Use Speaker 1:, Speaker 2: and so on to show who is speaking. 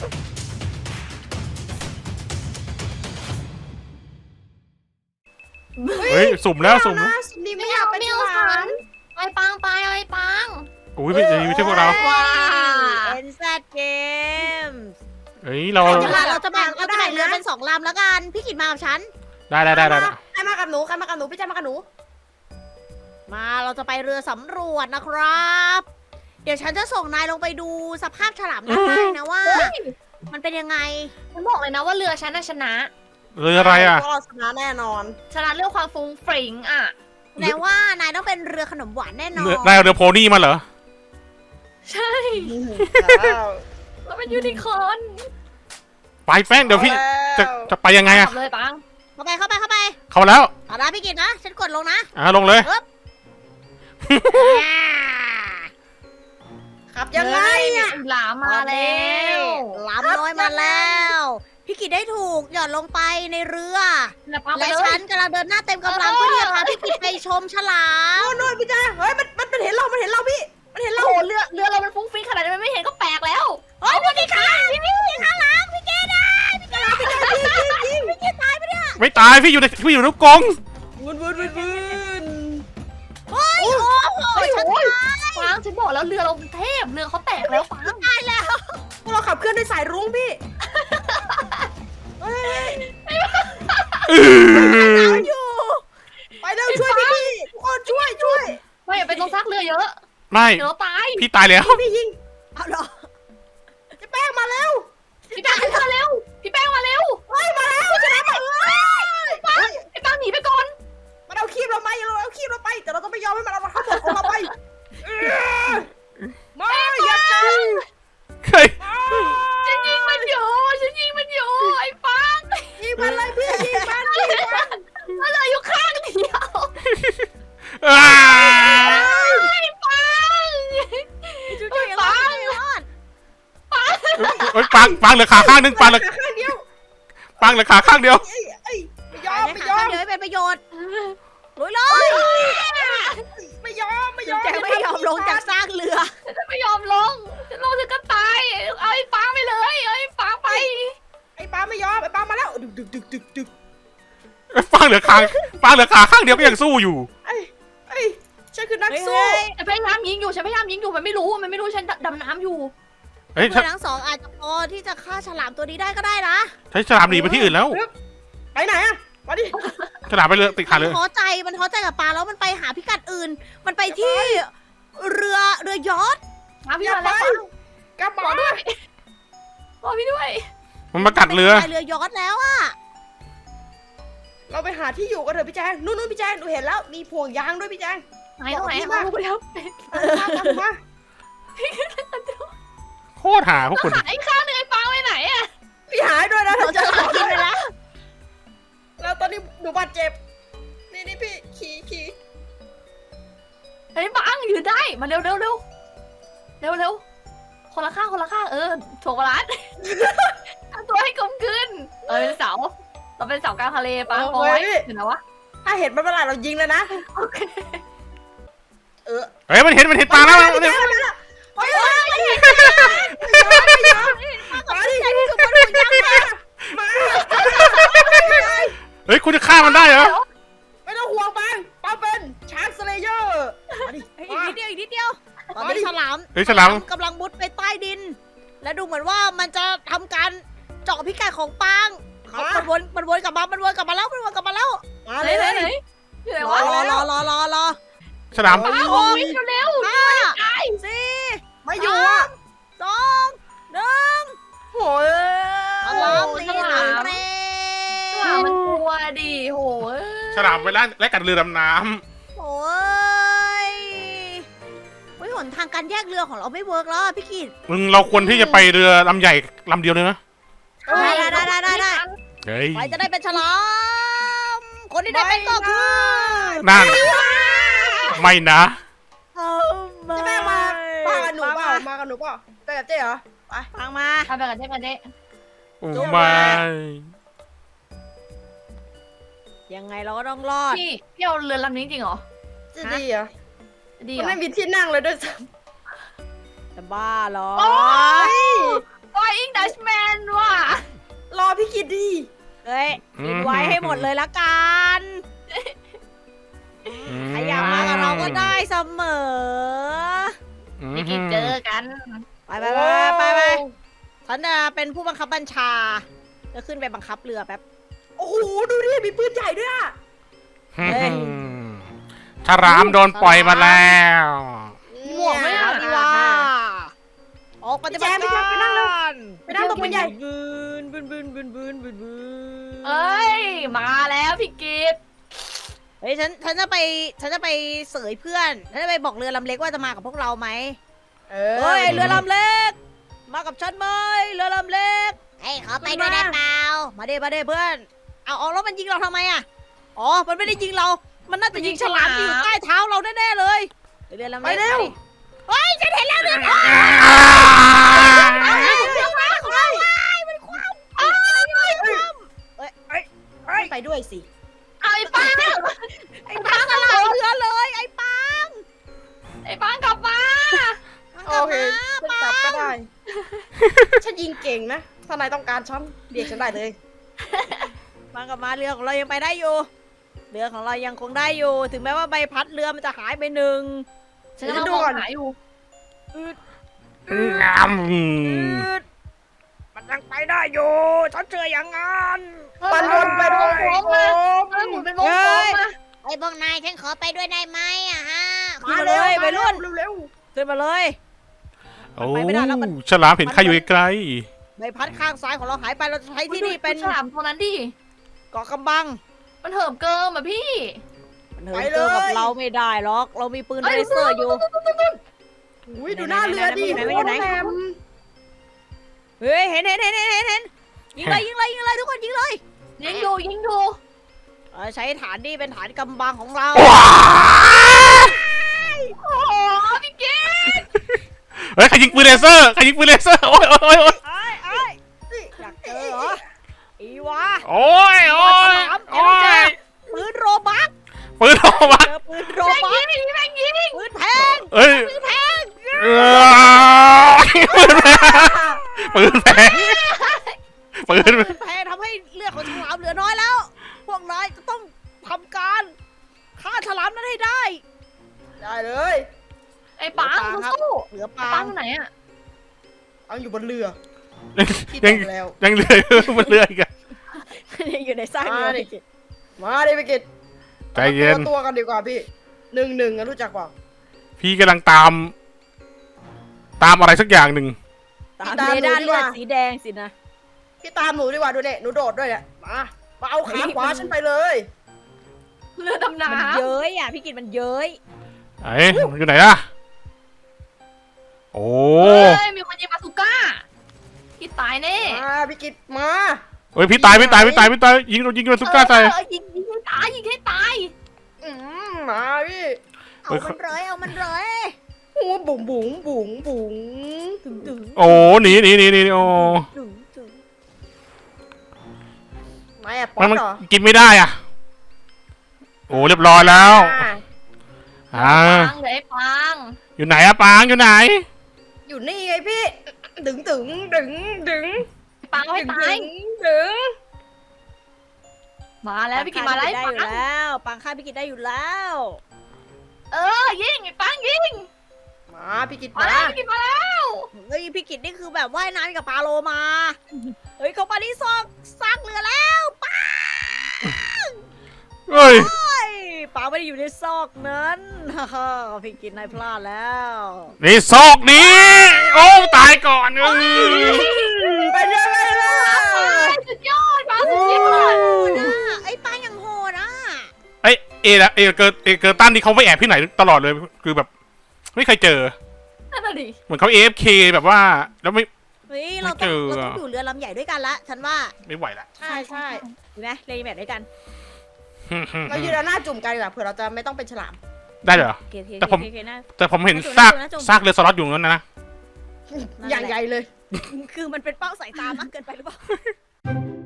Speaker 1: เฮ้ยสุ่มแล้วสุ่ม
Speaker 2: นี่ไม่อยากเป็นฉลาม
Speaker 3: ไอ้ปังไปไอ้ปัง
Speaker 1: อุ้ยไม่ใช่พวกเรา
Speaker 2: ว้า NZ Games
Speaker 1: เฮ้ยเรา
Speaker 2: เราจะแบ่งเรือเป็น2 ลำแล้วกันพี่กิตมากับฉัน
Speaker 1: ได้
Speaker 2: ใครมากับหนูพี่แจ๊คมากับหนูมาเราจะไปเรือสำรวจนะครับ เดี๋ยวฉันจะส่งนายลงไปดูสภาพฉลามด้านใต้นะว่า มันเป็นยังไง
Speaker 3: ฉันบอกเลยนะว่าเรือฉันน่ะชนะ
Speaker 1: เรืออะไรอ่ะ
Speaker 2: เราชนะแน่นอน
Speaker 3: ชนะเรื่องความฟุ้งฟริ้งอ่ะ
Speaker 2: แปลว่านายต้องเป็นเรือขนมหวานแน่นอน
Speaker 1: นายเอาเรือโพนี่มาเหรอ
Speaker 3: ใช่เราเป็นยูนิคอร์น
Speaker 1: ไปแป้งเดี๋ยวพี่จะไปยังไงอะ
Speaker 3: ขับเลยปัง
Speaker 2: เข้าไปเข้าแล้ว เอาละพี่กิตนะฉันกดลงนะ
Speaker 1: ลงเลย
Speaker 2: ขับยังไงอ่ะ
Speaker 3: หลามมาแล้ว
Speaker 2: หลามน้อยมาแล้ว พี่กิตได้ถูกหย่อนลงไปในเรือ
Speaker 3: แล้วปังไป
Speaker 2: และ
Speaker 3: เล
Speaker 2: ฉั
Speaker 3: ย
Speaker 2: นกำลังเดินหน้าเต็มกำลังเพื่อที่จะพาพี่กิตไปชมฉลามโน่นพี่จ้าเฮ้ยมันเห็นเราพี่มันเห็นเรา
Speaker 3: โอ้โหเรือเรามันฟุ้งฟริ้งขนาดนี้มันไม่เห็นก็แปลกแล้ว
Speaker 2: เฮ้ยพี่กิตข้างหลังพี่กิตได้พี่กิตตายไปเนี่ย
Speaker 1: ไม่ตายพี่อยู่ในลูกกรง
Speaker 2: เฮ้ยโอ้โหฉันตาย
Speaker 3: ปังฉันบอกแล้วเรือเราเทพเรือเขาแตกแล้วปัง
Speaker 2: ตายแล้วพวกเราขับเคลื่อนด้วยสายรุ้งพี่อยู่ไปเร็วช่วยพี่ทุกคนช่วย
Speaker 3: ไม่อย่าไปตรงซากเรือเยอะ
Speaker 1: ไม่
Speaker 3: เดี๋ยวเราตาย
Speaker 1: พี่ตายแล้ว
Speaker 2: พี่ยิงเอาเหรอจะแป้งมาแล้ว
Speaker 3: พี่แป้งมาเร็วพี่แป้งมาเร็ว
Speaker 2: เฮ้ยมาแล้วชนะมาเลย
Speaker 3: ไอ้ปังหนีไปก่อน
Speaker 2: มันเอาคีบเราไปแต่เราต้องไม่ยอมให้มันเอาข้าวของเราไปไม่อย่าจัง
Speaker 1: เฮ้ย
Speaker 3: ฉันยิงมันอยู่ไอ้ปัง
Speaker 2: ยิงมันเลยพี่ยิงมัน
Speaker 3: มันเหลืออยู่ข้างเดียว
Speaker 1: อ้า
Speaker 3: ไอ้ปัง
Speaker 2: จุ๊ยรอด
Speaker 1: เฮ้ยปังเหลือขาข้างนึงปังเหลือ
Speaker 2: ข้างเดียว
Speaker 1: ขาข้างเดียว
Speaker 2: ไม่ยอมเดี๋ยวให้เป็นประโยชน์ลุยเลย ไม่ยอมแกไม่ยอมลงจากซากเรือ
Speaker 3: ฉันไม่ยอมลงฉันลงฉันก็ตายเอาไอ้ปังไปเลยเอาไอ้ปังไป
Speaker 2: ไอ้ปาไม่ยอมไอ้ปามาแล้วดึก
Speaker 1: ปังเหลือขาข้างเดียวก็ยังสู้อยู่
Speaker 2: ไอ้ฉันคือนักสู้
Speaker 3: ฉันพยายามยิงอยู่มันไม่รู้ฉันดำน้ำอยู่
Speaker 1: เฮ้ย
Speaker 2: เพื่อนทั้งสองอาจจะพอที่จะฆ่าฉลามตัวนี้ได้ก็ได้นะ
Speaker 1: ใช้ฉลามหนีไปที่อื่นแล้ว
Speaker 2: ไปไหนอะมาดิ
Speaker 1: ฉลามไปเรือติดขาเลย
Speaker 2: มันท้อใจกับปลาแล้วมันไปหาพิกัดอื่น มันไปที่เรือยอชต์
Speaker 3: มาพี่มาแล้วปัง
Speaker 2: กลับ
Speaker 3: ร
Speaker 2: มา
Speaker 3: อด้วยรอพี่ด้วย
Speaker 1: มันมากัดเรือ
Speaker 2: ไปเรือยอชต์แล้วอะเราไปหาที่อยู่กันเถอะพี่แจงนู่นพี่แจงหนูเห็นแล้วมีพวงยางด้วยพี่แจง
Speaker 3: ไหนตรงไหนมาไปแล้ว
Speaker 2: มา
Speaker 1: โคตรหาพวกคุณ
Speaker 3: ไอ้ข้างนึงไอ้ปังไปไหนอะ
Speaker 2: พี่หายด้วยนะเราจะหากินไปแล้วแล้วตอนนี้หนูบาดเจ็บนี่พี่ขี่
Speaker 3: ไอ้ปังยืนได้มาเร็วคนละข้างถ่วงบาลานซ์ทำตัวให้กลมกลืนเป็นเสาเราเป็นเสากลางทะเลปังโอ้ยเห็นไหมวะ
Speaker 2: ถ้าเห็นมันเมื่อไหร่เรายิงเลยนะ
Speaker 3: โอเค
Speaker 1: เฮ้ยมันเห็นปลาแล้ว
Speaker 2: เฮ้ยไม่ยอมมาดิใจที่สุดบนหัวยังมา
Speaker 1: เฮ้ยคุณจะฆ่ามันได้เหรอ
Speaker 2: ไม่ต้องห่วงปังเป็นชาร์กสเลเยอร์มาดิอีกนิดเดียวตอนนี้ฉลาม
Speaker 1: เฮ้ยฉลาม
Speaker 2: กำลังมุดไปใต้ดิน และดูเหมือนว่ามันจะทำการเจาะพิกัดของปังมันวนกลับมาแล้วมา
Speaker 3: ไหนอยู่ไหนวะ
Speaker 2: รอ
Speaker 1: ฉลาม
Speaker 3: ปังโอ้ยเร็ว
Speaker 2: 5 4ไม่อยู่อ่ะ2 1โอ้ยฉลามตีหางเร็
Speaker 3: มันกลัวดิโห
Speaker 1: ฉลามไปและกัดเรือดำน้
Speaker 2: โอ้ยหนทางการแยกเรือของเราไม่เวิร์กแล้วพี่กิต
Speaker 1: ำเราควรที่จะไปเรือลำใหญ่ลำเดียวเลยนะ
Speaker 2: ได้
Speaker 1: เฮ้ย
Speaker 2: ใครจะได้เป็นฉลามคนที่ได้เป็นก็คือ
Speaker 1: นั่นไม่นะ
Speaker 2: จะแม่มากับหนูเปล่าไปกับเจ๊เหรอไปฟังมา
Speaker 3: ทำไปกันเจ๊
Speaker 1: โอ้ไม่
Speaker 2: ยังไงเราก็ต้องรอด
Speaker 3: พี่เอาเรือลำนี้จริงเหรอ
Speaker 2: จะดีเหรอ
Speaker 3: ดีเหร
Speaker 2: มัน
Speaker 3: อ
Speaker 2: ไม่มีที่นั่งเลยด้วยซ้ำจะบ้าเหรอ
Speaker 3: Flying Dutchman
Speaker 2: ดเลยละกันใครอยากมากับเราก็ได้เสมอ
Speaker 3: พี่กินเจอกัน
Speaker 2: ไปฉันจะเป็นผู้บังคับบัญชาจะขึ้นไปบังคับเรือแป๊บ
Speaker 4: โอ้โหดูดิมีปืนใหญ่ด้วยอะ
Speaker 2: เฮ้ย
Speaker 1: ฉลามโดนปล่อยมาแล้ว
Speaker 3: หมวกไหม
Speaker 2: เอา
Speaker 3: อ่ะ
Speaker 2: ดีว่าออกปฏิบัติการ
Speaker 4: ไปนั่งตรงปืนใหญ่
Speaker 2: บืน
Speaker 3: เอ้ยมาแล้วพี่กิต
Speaker 2: เฮ้ยฉันจะไปเสยเพื่อนฉันจะไปบอกเรือลำเล็กว่าจะมากับพวกเราไหม เฮ้ยเรือลำเล็ก มากับฉันไหมเรือลำเล็กเฮ้ยขอไปด้วยได้เปล่ามาเด้เพื่อนเอาแล้วมันยิงเราทำไมอ่ะอ๋อมันไม่ได้ยิงเรา มันน่าจะยิงฉลามที่อยู่ใต้เท้าเราแน่ๆเลยเรือลำเล็ก
Speaker 4: ไปเร็ว
Speaker 2: เฮ้ยฉันเห็นแล้วเรือมาของเรามันคว่ำ
Speaker 4: ไปด้วยสิ
Speaker 3: เอาไอ้ปัง
Speaker 2: ไอ้ปังสลายเรือเลยไอ้ปัง
Speaker 3: ไอ้ปังกลับมา
Speaker 4: โอเคฉันกลับก็ได้ ฉันยิงเก่งนะ ถ้านายต้องการฉันเรียกฉันได้เลย
Speaker 2: ปังกลับมาเรือของเรายังไปได้อยู่เรือของเรายังคงได้อยู่ ถึงแม้ว่าใบพัดเรือมันจะหายไปหนึ่ง
Speaker 3: ฉันกำลังมองหาอยู่
Speaker 1: งาม
Speaker 2: มันยังไปได้อยู่ฉันเชื่ออย่างนั้น
Speaker 4: ปันวนไปด้วย
Speaker 3: โค้งมาเฮ้ยหมุนเป็นวงกลมมา
Speaker 2: ไอ้พวกนายฉันขอไปด้วยได้ไหมอะฮะ
Speaker 4: มาเร็ว
Speaker 2: ไปรุ่น
Speaker 4: เร็ว
Speaker 2: ขึ้นมาเลย
Speaker 1: โอ้
Speaker 2: ไปไม่ได้แล้วมัน
Speaker 1: ฉลามเห็นใครอยู่ไกล
Speaker 2: ใบพัดข้างซ้ายของเราหายไปเราจะใช้ที่นี่เป็น
Speaker 3: ฉลามตัวนั้นดิ
Speaker 2: เกาะกำบัง
Speaker 3: มันเหิมเกิมอ่ะพี่
Speaker 2: มันเหินเจอกับเราไม่ได้หรอกเรามีปืน
Speaker 3: เอ้ย
Speaker 2: เลเซอร์อยู่
Speaker 4: อุ้ยดูหน้าเรือดิ
Speaker 2: ไหนๆๆๆ
Speaker 4: โคตรแหลม
Speaker 2: เฮ้ยเห็นยิงเลยทุกคนยิงเลย
Speaker 3: ยิงอยู่
Speaker 2: ใช้ฐานนี่เป็นฐานกำบังของเรา
Speaker 1: ว้า
Speaker 3: โอ้โหพี่กิต
Speaker 1: เฮ้ยใครยิงปืนเลเซอร์โอ้ย
Speaker 2: ไอ้อยากเจอเหรออีวะ
Speaker 1: โอ้ย
Speaker 2: ปืนโรบัก
Speaker 1: ปืนออกมา
Speaker 2: เจอปืนโรบัก
Speaker 3: แม่งยิง
Speaker 2: ปืนแพง
Speaker 1: เอ้ย
Speaker 2: ปืนแพง
Speaker 1: ปืนแพงปืน
Speaker 2: ปืนแพงทำให้เลือดของฉลามเหลือน้อยแล้ว พวกนายจะต้องทำการฆ่าฉลามนั้นให้ได้
Speaker 4: ได้เลย
Speaker 3: ไอ้ปังสู้
Speaker 2: เหลือ
Speaker 3: ๆ
Speaker 2: ปา
Speaker 3: ปั
Speaker 2: ง
Speaker 3: งไหนอ่ะ
Speaker 4: เอาอยู่บนเรือพี่
Speaker 1: ยัง
Speaker 4: ตกแล้ว
Speaker 1: ยังเรือบนเรืออีกอะ
Speaker 2: อยู่ในซากเรือ
Speaker 4: มาดิไปกิน
Speaker 1: ใจเย็น
Speaker 4: ตัวกันดีกว่าพี่1-1อะรู้จักเปล่า
Speaker 1: พี่กำลังตามอะไรสักอย่างหนึ่ง
Speaker 2: ตามเรดาร์เลือดสีแดงสินะ
Speaker 4: พี่ตามหนูดีกว่าดูเนี่ยหนูโดดด้วยเนี่ยมาเอาขาขวาฉันไปเลย
Speaker 3: เรือดำน้
Speaker 2: มันเย้ยอ่ะพี่กิตมันเย้ย
Speaker 1: ไอ้อยู่ไหนล่ะโอ้
Speaker 3: ำเฮ้ยมีคนยิงบาซูก้าพี่ตายแน่
Speaker 4: มาพี่กิตมา
Speaker 1: เฮ้ยพี่ตายยิงโดนซุก้าใส่
Speaker 3: ยิงให้ตาย
Speaker 4: มาพี่
Speaker 2: เอามันเลย
Speaker 4: โอ้บุ๋งบุ๋งบุ๋งบุ๋ง
Speaker 2: ถึง
Speaker 1: โอ้หนีโอ้
Speaker 2: ถึง
Speaker 4: ไม่อะป๊อ
Speaker 1: มั
Speaker 4: ต
Speaker 1: น
Speaker 4: เหรอ
Speaker 1: กินไม่ได้อ่ะโอ้เรียบร้อยแล้วอ่า
Speaker 3: ปังเลยไอ้ปัง
Speaker 1: อยู่ไหนอะปางอยู่ไหน
Speaker 4: อยู่นี่ไงพี่ดึง
Speaker 3: ปังเอาให้ตาย
Speaker 4: ดึง
Speaker 3: มาแล้วพี่กินมาแล้ว
Speaker 2: ได้
Speaker 3: ไอ้
Speaker 2: อยู่
Speaker 3: ปัง
Speaker 2: แล้วปังฆ่าพี่กิตได้อยู่แล้ว
Speaker 3: ยิงไอ้ปังยิง
Speaker 4: มาพี่กิต
Speaker 3: มา
Speaker 4: มา
Speaker 3: แล้วพี่กินมาแล้ว
Speaker 2: เฮ้ยพี่กิตนี่คือแบบว่ายน้ำกับปลาโลมาเฮ้ยเขามาที่ซากเรือแล้วปัง
Speaker 1: เฮ้ย
Speaker 2: ปลาไม่ได้อยู่ในซอกนั้นฮ่าพี่กิตนายพลาดแล้ว
Speaker 1: นี่ซอกนี้โอ้ตายก่อนเออ
Speaker 4: ไปเลยล่ะ
Speaker 3: สุดยอดปังสุดยอด
Speaker 2: ไอ้ปลายังโหดอ่ะ
Speaker 1: เกิร์ตันที่เขาไปแอบที่ไหนตลอดเลยคือแบบไม่เคยเจอ
Speaker 3: นั่นน่ะดิ
Speaker 1: เหมือนเขา AFK แบบว่าแล้วไม่
Speaker 2: เฮ้ยเราต้องอยู่เรือลำใหญ่ด้วยกันละฉันว่า
Speaker 1: ไม่ไหวละ
Speaker 4: ใช่
Speaker 2: ดีไหมเลยแมทด้วยกัน
Speaker 4: เรายืนหน้าจุ่มกันดีกว่าเผื่อเราจะไม่ต้องเป็นฉลาม
Speaker 1: ได้เหรอ
Speaker 2: โอเค
Speaker 1: แต่ผม
Speaker 2: นะ
Speaker 1: แต่ผมเห็น
Speaker 2: น่าจม
Speaker 1: ซากเรือสล็อตอยู่นั้นนะ
Speaker 4: อย่างใหญ่เลย
Speaker 2: คือมันเป็นเป้าสายตามากเกินไปหรือเปล่า